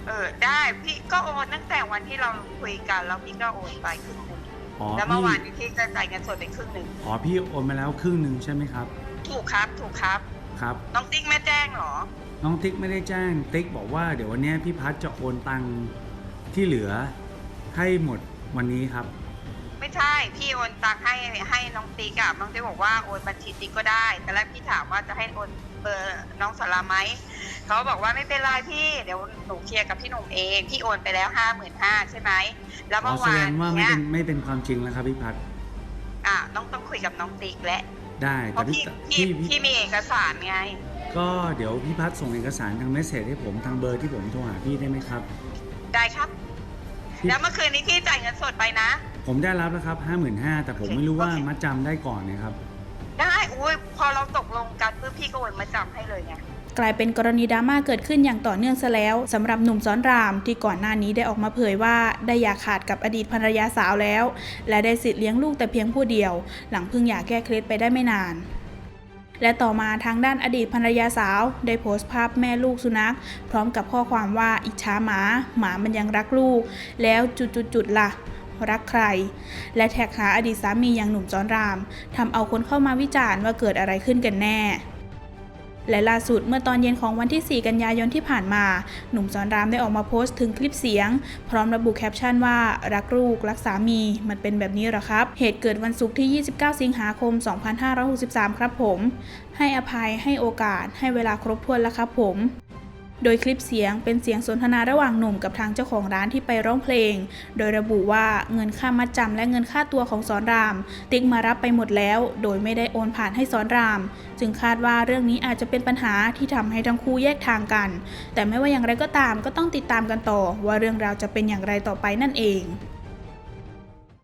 ได้พี่ก็โอนตั้งแต่วันที่เราคุยกันแล้วพี่ก็โอนไปครึ่งหนึ่งอ๋อแล้วเมื่อพี่วานนี้พี่จะจ่ายเงินสดไปครึ่งหนึ่งอ๋อพี่โอนมาแล้วครึ่งหนึ่งใช่ไหมครับถูกครับถูกครับครับน้องติ๊กไม่แจ้งเหรอน้องติ๊กไม่ได้แจ้งติ๊กบอกว่าเดี๋ยววันนี้พี่พัดจะโอนตังค์ที่เหลือให้หมดวันนี้ครับไม่ใช่พี่โอนตังค์ให้น้องติ๊กอะน้องติ๊กบอกว่าโอนบัญชีติ๊กก็ได้แต่แรกพี่ถามว่าจะให้โอนเบอร์น้องสาราไหมเขาบอกว่าไม่เป็นไรพี่เดี๋ยวหนูเคลียร์กับพี่หนุ่มเองพี่โอนไปแล้ว55,000ใช่ไหมแล้วอ๋อเมื่อแสดวานงว่าเนี้ยไม่เป็นความจริงแล้วครับพี่พัดต้องคุยกับน้องติ๊กและได้เพแต่ราะพี่มีเอกสารไงก็เดี๋ยวพี่พัดส่งเอกสารทางเมสเสจให้ผมทางเบอร์ที่ผมโทรหาพี่ได้ไหมครับได้ครับแล้วเมื่อคืนนี้พี่จ่ายเงินสดไปนะผมได้รับแล้วครับ55,000แต่ผมไม่รู้ว่ามัดจำได้ก่อนนะครับได้อุ้ยพอเราตกลงกันเพื่อพี่ก็โอนมาจำให้เลยไงกลายเป็นกรณีดราม่าเกิดขึ้นอย่างต่อเนื่องซะแล้วสำหรับหนุ่มซ้อนรามที่ก่อนหน้านี้ได้ออกมาเผยว่าได้หย่าขาดกับอดีตภรรยาสาวแล้วและได้สิทธิ์เลี้ยงลูกแต่เพียงผู้เดียวหลังเพิ่งหย่าแก้เคล็ดไปได้ไม่นานและต่อมาทางด้านอดีตภรรยาสาวได้โพสต์ภาพแม่ลูกสุนัขพร้อมกับข้อความว่าอิจฉาหมามันยังรักลูกแล้วจุดๆล่ะรักใครและแท็กหาอดีตสามีอย่างหนุ่มซ้อนรามทำเอาคนเข้ามาวิจารณ์ว่าเกิดอะไรขึ้นกันแน่และล่าสุดเมื่อตอนเย็นของวันที่ 4 กันยายนที่ผ่านมาหนุ่มซ้อนรามได้ออกมาโพสต์ถึงคลิปเสียงพร้อมระบุแคปชั่นว่ารักลูกรักสามีมันเป็นแบบนี้เหรอครับเหตุเกิดวันศุกร์ที่ 29 สิงหาคม 2563 ครับผมให้อภัยให้โอกาสให้เวลาครบถ้วนแล้วครับผมโดยคลิปเสียงเป็นเสียงสนทนาระหว่างหนุ่มกับทางเจ้าของร้านที่ไปร้องเพลงโดยระบุว่าเงินค่ามัดจำและเงินค่าตัวของสอนรามติ๊กมารับไปหมดแล้วโดยไม่ได้โอนผ่านให้สอนรามจึงคาดว่าเรื่องนี้อาจจะเป็นปัญหาที่ทำให้ทั้งคู่แยกทางกันแต่ไม่ว่าอย่างไรก็ตามก็ต้องติดตามกันต่อว่าเรื่องราวจะเป็นอย่างไรต่อไปนั่นเอง